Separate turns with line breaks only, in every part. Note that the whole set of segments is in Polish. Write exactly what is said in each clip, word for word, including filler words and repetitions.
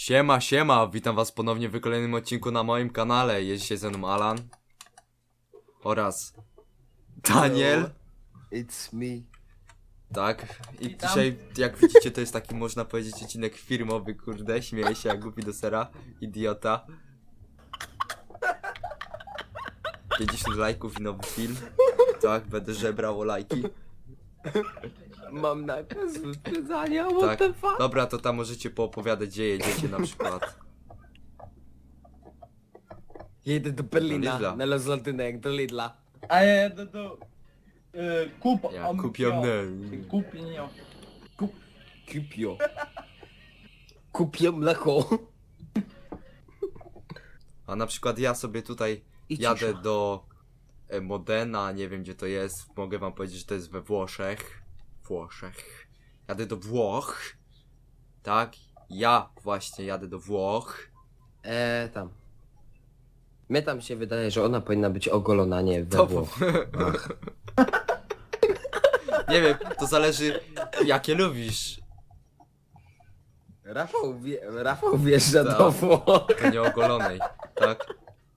Siema, siema, witam was ponownie w kolejnym odcinku na moim kanale. Jest dzisiaj ze mną Alan oraz Daniel.
Hello, it's me.
Tak, i
Witam.
dzisiaj, jak widzicie, to jest taki, można powiedzieć, odcinek firmowy, kurde, śmieję się jak głupi do sera, idiota. pięćdziesiąt lajków i nowy film. Tak, będę żebrał o lajki.
Mam nakaz wyprzedzania, what
Tak,
the fuck?
dobra, to tam możecie poopowiadać, gdzie jedziecie na przykład.
Jedę do
Do
Berlina,
Lidla.
na Londynek, do Lidla.
A ja do, do e, kup
Ja
am-
kupię mnie.
Kupię Kup
Kupio. Kupię mleko.
A na przykład ja sobie tutaj
I
jadę
cisza.
do e, Modena, nie wiem gdzie to jest, mogę wam powiedzieć, że to jest we Włoszech. Włoszech. Jadę do Włoch. Tak, ja właśnie jadę do Włoch.
Eee, tam. Mnie tam się wydaje, że ona powinna być ogolona, nie we
To
Włoch. Ach.
Nie wiem, to zależy jakie lubisz.
Rafał, wie, Rafał wjeżdża
Tak.
do Włoch.
To nie ogolonej, tak?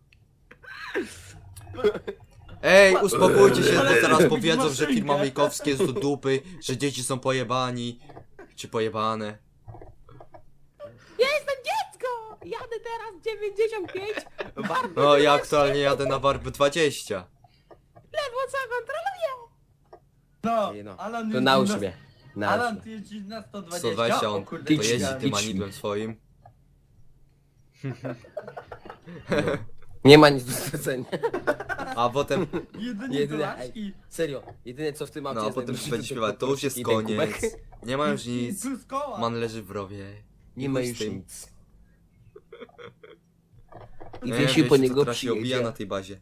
Ej, uspokójcie się, bo zaraz powiedzą, że firma Majkowskie jest do dupy, że dzieci są pojebani. Czy pojebane.
Ja jestem dziecko! Jadę teraz dziewięćdziesiąt pięć. Warto
No ja aktualnie jadę na warby dwadzieścia.
lewo co kontroluję.
No,
Nie no,
Alan
to
jeździ
naucz
na-
mnie. Naucz
Alan,
mnie.
ty jeździsz na sto dwadzieścia?
sto dwadzieścia, on
O kurde,
to
Idź,
jeździ
wiedziałem.
tym
idź.
anidłem swoim.
Nie ma nic do stracenia.
A potem,
Jedynie
Jedyne,
Jedyne
Serio, jedyne co w tym aucie
no a
jest
potem
najlepsze,
będzie
to
śpiewać, to już jest
i ten kubek.
koniec. Nie ma już nic.
Plus koła.
Man leży w rowie.
Nie ma
chuj z
już
tym.
nic. I
Nie,
wiesi po
wiecie,
niego
co teraz się obija
przyjedzie.
na tej bazie.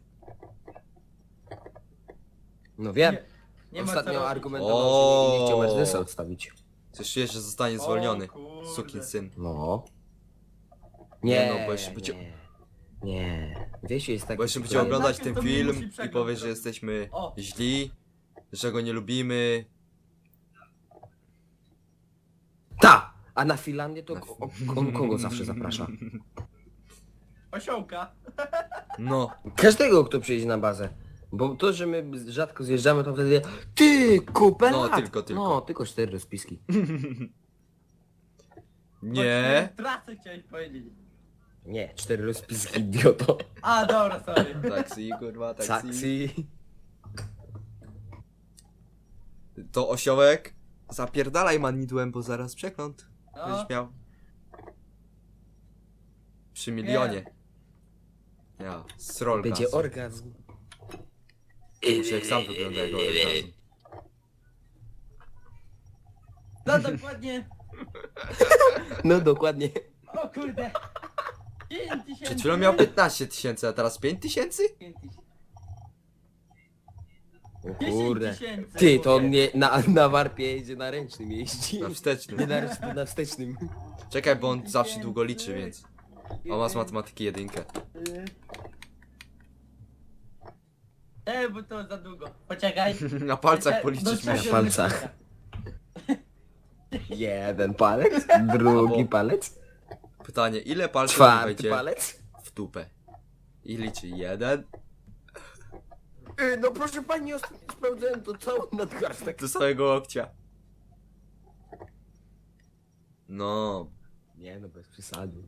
No wiem.
Nie, nie ma co
Ostatnio
robić.
argumentował, że nie, nie chciał
O.
Mercedesa odstawić.
Coś czujesz, że zostanie
O,
zwolniony.
kurde.
Sukin syn.
No.
Nie
Nie,
no, bo jeszcze będzie-
nie. Nie. Wiesiu jest taki...
Bo jeszcze będzie
Ale
oglądać
najpierw
ten
to mi
film
musi
i
przegląd
powie, że
zrobić.
jesteśmy
O.
źli, że go nie lubimy.
Ta! A na Finlandię to
Na-
ko- on kogo zawsze zaprasza?
Osiołka.
No,
Każdego, kto przyjedzie na bazę. Bo to, że my rzadko zjeżdżamy, to wtedy... Ty, kupę
No,
lat!
tylko, tylko.
No, tylko cztery rozpiski.
nie.
Trasę chciałeś powiedzieć.
Nie, cztery rozpiski, idioto.
A, dobra, sorry.
Taksi, kurwa, taksi.
Taksi.
To osiołek. Zapierdalaj manidłem, bo zaraz przekląt.
No,
Będziesz miał. Przy milionie. Ja, srolka.
Będzie orgazm.
Muszę jak sam wygląda jego orgazm.
no dokładnie.
No dokładnie.
O kurde. pięć tysięcy.
Przed chwilą miał piętnaście tysięcy, a teraz pięć tysięcy?
O
dziesięć
kurde.
tysięcy,
Ty, to on
mówię.
nie, na, na warpie jedzie na ręcznym jeździ.
Na
Nie
wstecznym.
na ręcznym, na wstecznym.
Czekaj, bo on zawsze długo liczy, więc. On ma z matematyki jedynkę.
Ej, bo to za długo. Poczekaj.
Na palcach
Do
policzyć
trzech
musi.
Na palcach. Jeden palec, drugi
Albo-
palec,
Pytanie, ile palców
czwarty
wejdzie
palec.
w dupę? I liczy jeden.
Yy, no proszę pani, ostatnio sprawdzałem to cały nadgarstek.
Do swojego łokcia. No.
Nie no, bez przesady.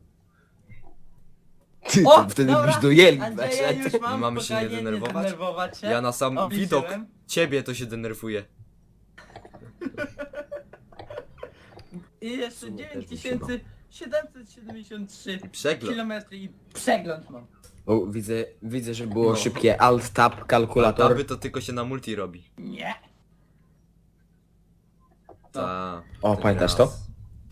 Ty,
O,
to wtedy
dobra.
byś dojeli.
Andrzeja już mam,
Mamy się nie
spokojnie,
denerwować?
denerwować się.
Ja na sam
O,
widok
liczyłem.
ciebie to się denerwuję.
I jeszcze
sumie też
dziewięć
mi
tysięcy siedemset siedemdziesiąt trzy
I przegląd.
kilometry i przegląd mam.
O, widzę, widzę, że było
No.
szybkie alt tab kalkulator.
Aby to tylko się na multi robi.
Nie.
Ta.
O,
ten
pamiętasz
raz.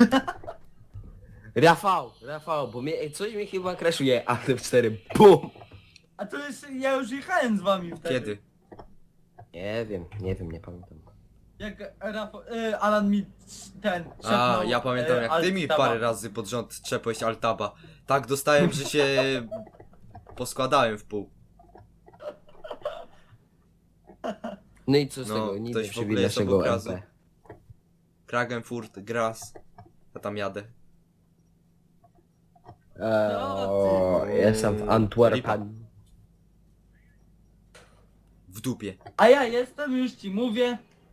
Rafał, Rafał, bo mnie, coś mi chyba crashuje, ale w cztery, BUM!
A to już, ja już jechałem z wami wtedy.
Kiedy?
Nie wiem, nie wiem, nie pamiętam.
Jak Rafał, y, Alan mi ten
A,
szepnął,
ja pamiętam
y,
jak ty mi
Altaba.
parę razy pod rząd trzepłeś altaba. Tak dostałem, że się poskładałem w pół.
No i co z
No,
tego, niby
ktoś w ogóle
przywilej
jest
naszego
obok razu.
M P.
Klagenfurt, Graz. Ja tam jadę.
Eee,
No
o, jestem w Antwerpen.
W dupie.
A ja jestem, już ci mówię.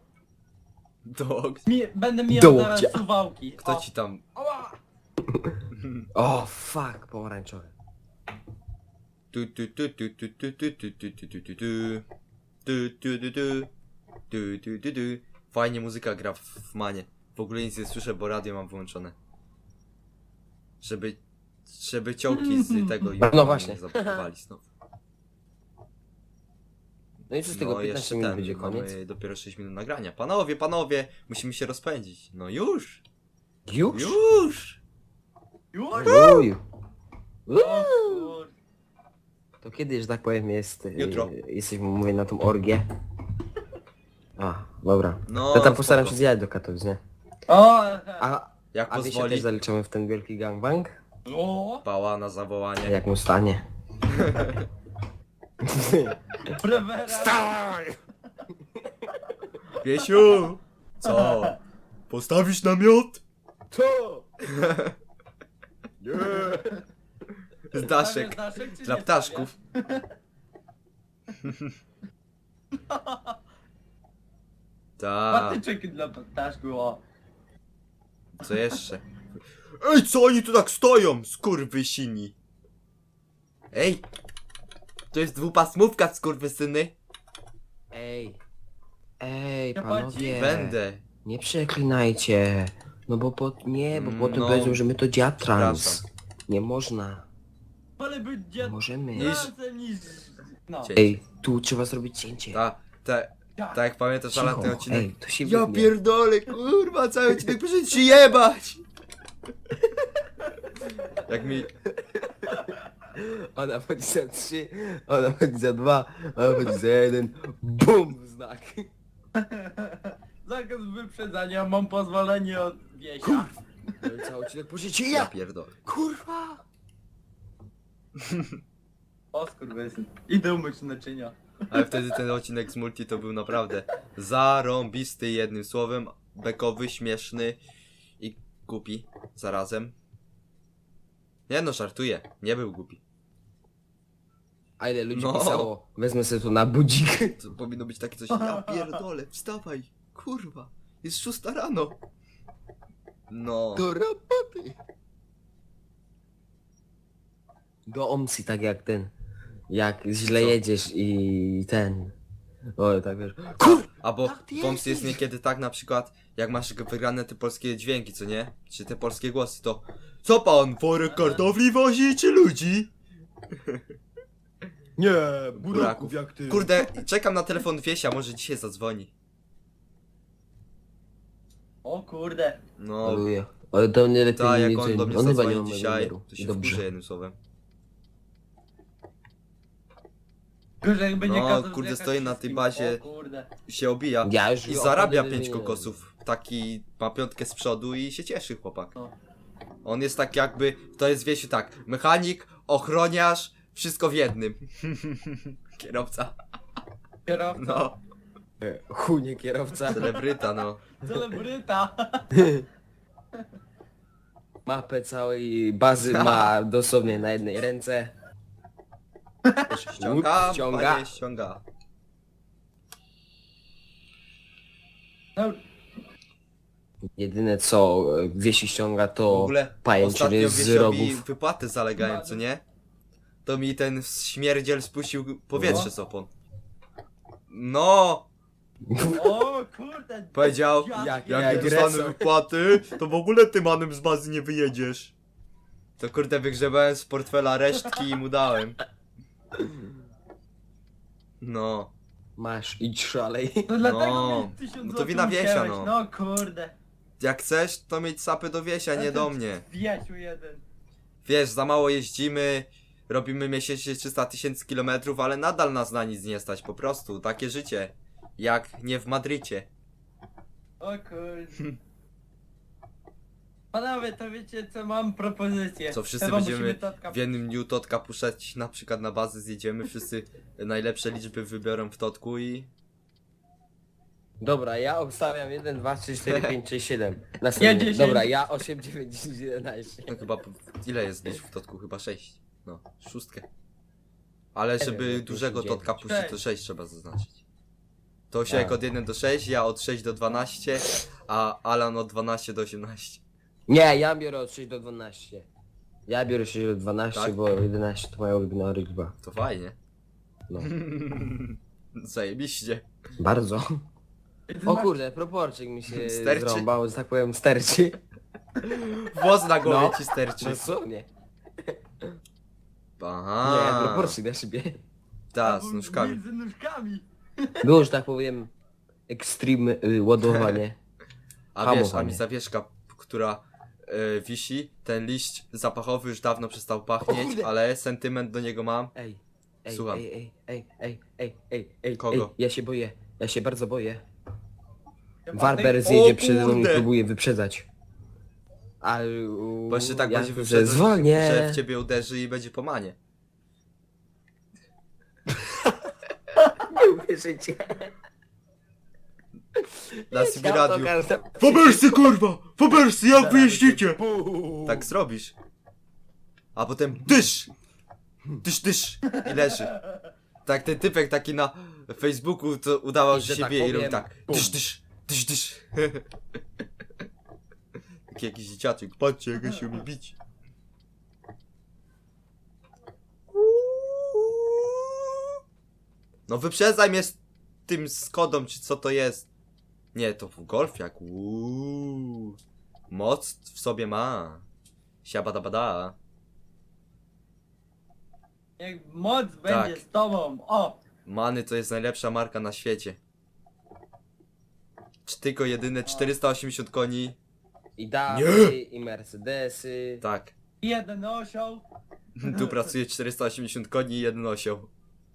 Dog.
Mi, będę
Do
miał zaraz
łokcia.
suwałki.
Kto
O.
ci tam...
Ała!
O, fuck, pomarańczowy.
Tu tu tu tu tu tu tu tu tu tu tu tu tu. Tu tu tu tu. Tu tu tu tu. Fajnie muzyka gra w, w manie. W ogóle nic nie słyszę, bo radio mam wyłączone. Żeby... Żeby ciołki z tego
No właśnie.
nie zablokowali znowu.
No i co z tego,
No
piętnaście
jeszcze
minut
ten,
będzie koniec?
mamy dopiero sześć minut nagrania. Panowie, panowie, musimy się rozpędzić. No już!
Już?
Już!
Już?
Uj.
O kur...
To kiedy, że tak powiem, jest...
Jutro.
y, Jesteśmy, mówię, na tą orgię. A, dobra.
No,
To tam postaram
spoko.
się zjechać do Katowic, nie?
O!
A,
Jak
a wy się
pozwoli,
też zaliczamy w ten wielki gangbang?
O!
pała na zawołanie.
Jak mu stanie?
Prewera!
Piesiu! Co? Postawisz namiot?
To!
Z daszek.
Stawiasz daszek, czy
Dla
nie
ptaszków.
stawiasz?
Tak.
Patyczek dla ptaszków, o.
Co jeszcze? Ej, co oni tu tak stoją? Skurwysini. Ej! To jest dwupasmówka, skurwysyny.
Ej. Ej,
Ja
panowie.
Będę.
Nie przeklinajcie. No bo po... Nie, bo
Mm,
potem
no.
powiedzą, że my to dziatrans.
Przepraszam.
Nie można.
Wolę być
Nie
dziad...
możemy.
Razem niż... No.
Cię-
Ej, tu trzeba zrobić cięcie.
Ta, te, tak jak pamiętasz, ale ten
Cicho.
odcinek...
Ej, to się
Ja
wytnie.
pierdolę, kurwa, cały odcinek muszę ci jebać! Jak mi...
Ona chodzi za trzy, ona chodzi za dwa, ona chodzi za jeden. BUM! Znak.
Zakaz wyprzedzania, mam pozwolenie od wiesia.
No i cały odcinek pożycie
Ja
ja!
pierdolę.
Kurwa!
O skurwysyn. Idę umyć naczynia.
Ale wtedy ten odcinek z multi to był naprawdę zarąbisty, jednym słowem, bekowy, śmieszny i głupi zarazem. Nie no, żartuję, nie był głupi.
A ile ludzi
No.
pisało? Wezmę sobie to na budzik.
To powinno być takie coś, ja pierdolę, wstawaj, kurwa, jest szósta rano. No,
Do roboty! Do omsi, tak jak ten. Jak źle
Co?
jedziesz i ten. O, tak wiesz. Kur...
albo
Tak, ty
pomst jest
jesteś.
niekiedy tak na przykład, jak masz wygrane te polskie dźwięki, co nie? Czy te polskie głosy, to co pan, worek kartofli wozi, czy ludzi?
Nie,
buraków
jak ty.
Kurde, czekam na telefon Wiesia, może dzisiaj zadzwoni.
O kurde.
No,
Aleluja. Ale to nie lepiej
tak, jak
nie
on do mnie
on chyba nie ma
zadzwoni
mojego
dzisiaj,
numeru.
to się
Dobrze.
wkurzy jednym słowem.
Gorzej jakby nie
No,
kazał
kurde,
zjechać
stoi na tej
wszystkim.
bazie.
O kurde.
Się obija
Ja już
i
go
zarabia
opowiem,
pięć
że nie
kokosów. Taki ma piątkę z przodu i się cieszy chłopak.
No.
On jest tak jakby, to jest Wiesiu tak, mechanik, ochroniarz, wszystko w jednym. Kierowca,
Kierowca.
no,
E, Chunie kierowca.
celebryta, no.
Celebryta.
Mapę całej bazy ma dosłownie na jednej ręce.
Ściąga,
Ściąga.
panie, ściąga.
No,
Jedyne co e, Wiesi ściąga
W
to
ogóle ostatnio
pajęczyny z
Wiesiowi
rogów.
wypłaty zalegają, co nie? To mi ten śmierdziel spuścił powietrze
No.
z opon. No,
o kurde.
powiedział,
Ja-
Jak-
jak
jak
nie dostanę
agresor.
wypłaty, to w ogóle ty manem z bazy nie wyjedziesz. To kurde wygrzebałem z portfela resztki i mu dałem. No,
Masz, idź szalej.
No dlatego
No.
mi tysiąc
No to
złotych
wina Wiesia,
ucięłeś.
no.
No kurde.
jak chcesz, to mieć sapy do Wiesia, nie do mnie.
Wiesiu jeden.
Wiesz, za mało jeździmy, robimy miesięcznie trzysta tysięcy kilometrów, ale nadal nas na nic nie stać, po prostu, takie życie. Jak nie w Madrycie.
O kurde. Panowie, to wiecie co, mam propozycję.
Co, wszyscy
Chyba
będziemy
musimy Totka...
W jednym dniu Totka puszczać na przykład na bazę, zjedziemy, wszyscy najlepsze liczby wybiorą w Totku i...
Dobra, ja obstawiam jeden, dwa, trzy, cztery, pięć, sześć, siedem.
Ja
Następnie.
dziesięć.
Dobra, ja osiem, dziewięć, dziesięć, jedenaście.
No chyba, po- ile jest gdzieś w totku? Chyba sześć. No, szóstkę. Ale żeby
wiem,
dużego
dziewięć.
totka puścić, to
Sześć.
sześć trzeba zaznaczyć. To się jak
Tak.
od jeden do sześć, ja od sześć do dwanaście, a Alan od dwanaście do osiemnaście.
Nie, ja biorę od sześć do dwunastu. Ja biorę sześć do dwunastu,
Tak?
bo jedenaście to moja ulubiona liczba.
To fajnie.
No.
Zajebiście.
Bardzo. O kurde, proporczyk mi się
Sterczy?
zrąbał, że tak powiem, sterczy.
Włos na głowie
No.
ci sterczy.
Dosłownie.
Aha.
Nie, proporczyk na szybie.
Ta, z nóżkami.
Między nóżkami.
Było, że tak powiem, extreme y, ładowanie.
A wiesz, a
Hamowanie.
mi zawieszka, która e, wisi, ten liść zapachowy już dawno przestał
O
pachnieć,
kurde.
ale sentyment do niego mam.
Ej, ej,
Słucham.
ej, ej, ej, ej, ej, ej, ej,
Kogo?
ej, ja się boję, ja się bardzo boję.
Chyba
Warber
ty-
zjedzie
O
przede mną i
kurde.
próbuje wyprzedzać. A u,
Bo jeszcze tak
ja
będzie
że
wyprzedzać,
zwolnię.
że w ciebie uderzy i będzie po manie.
Nie uwierzycie.
Na
Ja
sobie
to
radiu.
każda-
Fabersy kurwa! Fabersy jak wy jeździcie?
Puu.
Tak zrobisz. A potem dysz! Dysz, dysz! I leży. Tak ten typek taki na Facebooku to udawał,
I
że
że
się
tak
wie i robi
powiem,
tak.
bum.
Dysz, dysz, dysz, dysz. Taki jakiś dzieciaczek. Patrzcie jak ja się umie bić. No wyprzedzaj mnie z tym Skodą, czy co to jest. Nie, to w golfiak. Uuu. Moc w sobie ma. Siabadabada.
Jak moc
Tak.
będzie z tobą. O!
Many to jest najlepsza marka na świecie. Czy tylko jedyne czterysta osiemdziesiąt koni.
I Dawy, i Mercedesy.
Tak.
Jeden osioł.
Tu pracuje czterysta osiemdziesiąt koni i jeden osioł.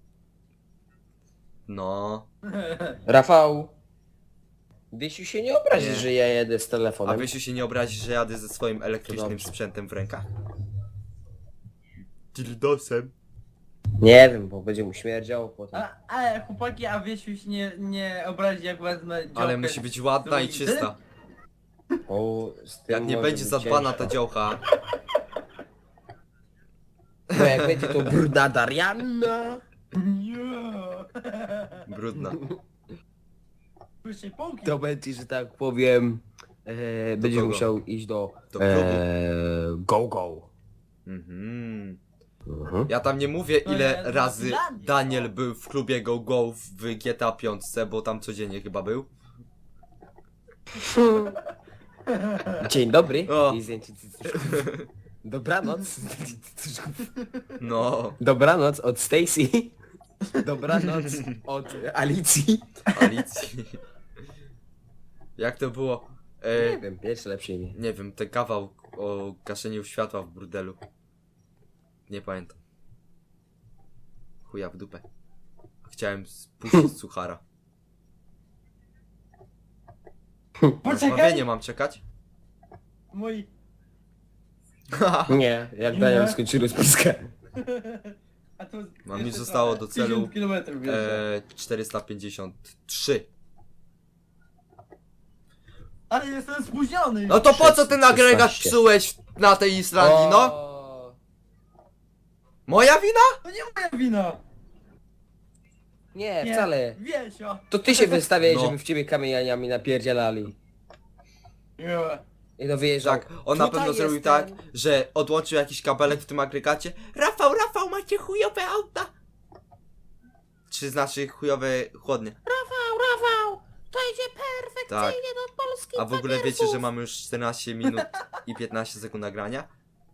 No.
Rafał. Wiesiu się nie obrazi,
Nie.
że ja jedę z
A
telefonem.
Wysiu się nie obrazi, że jadę ze swoim elektrycznym
dobrze.
sprzętem w rękach? Dildosem.
Nie wiem, bo będzie mu śmierdział potem.
A, ale chłopaki, a Wiesiu się nie, nie obrazi jak wezmę działkę.
Ale musi być ładna i
z-
czysta.
O, z tym
Jak nie
może
będzie
być
zadbana ta
ciężko.
działka.
Bo jak będzie to brudna Darianna.
Nie.
Brudna.
Słyszę półki.
To będzie, że tak powiem. E, będziesz
kogo?
musiał iść do.
Do klubu.
E, go go.
Mhm.
Mhm.
Ja tam nie mówię
No
ile
ja z
razy
Finlandii,
Daniel
o.
był w klubie Go Go w G T A pięć, bo tam codziennie chyba był.
Dzień dobry.
O.
I zdjęcie cycuszków. Dobranoc.
No,
Dobranoc od Stacy. Dobranoc od Alicji.
Alicji. Jak to było? E,
Nie wiem, jeszcze lepsze imię.
nie wiem, ten kawał o gaszeniu światła w burdelu. Nie pamiętam. Chuja w dupę. Chciałem spuścić suchara. Rozmawianie
Poczekaj!
mam czekać?
Mój...
Nie, jak Daniel skończy rozpiskę.
A tu
Mam
jeszcze
mi zostało do celu,
tysiąc kilometrów jeszcze.
E, czterysta pięćdziesiąt trzy.
Ale jestem spóźniony!
No to po co ten agregat
szesnaście.
psułeś na tej Islandii, no?
O,
Moja wina?
To nie moja wina!
Nie,
Nie,
wcale.
Wiesio!
To ty się wystawiałeś,
No.
żeby w ciebie kamieniami napierdzielali.
Nie.
I to wyjeżdżał.
Tak, on na
Tutaj
pewno zrobił
jestem.
tak, że odłączył jakiś kabelek w tym agregacie. Rafał, Rafał, macie chujowe auta! Czy znaczy chujowe chłodnie?
Rafał, Rafał, to idzie perfekcyjnie
Tak.
do Polski.
A w ogóle wiecie, że mamy już czternaście minut i piętnaście sekund nagrania?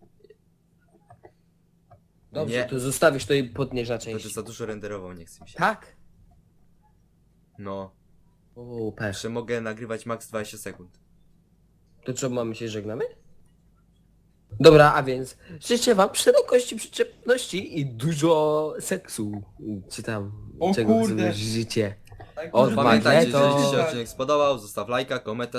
Dobrze,
Nie.
to zostawisz to i potniesz na część.
Będę za dużo renderował, nie chce mi się.
Tak?
No,
O, pech.
jeszcze mogę nagrywać max dwadzieścia sekund.
To co, mamy się żegnamy? Dobra, a więc życzę wam szerokości, przyczepności i dużo seksu. Czy tam,
O
czego
kurde.
sobie życie.
Tak,
O,
że-
Pamiętajcie,
Magneto.
jeżeli Ci się odcinek spodobał, zostaw lajka, komentarz.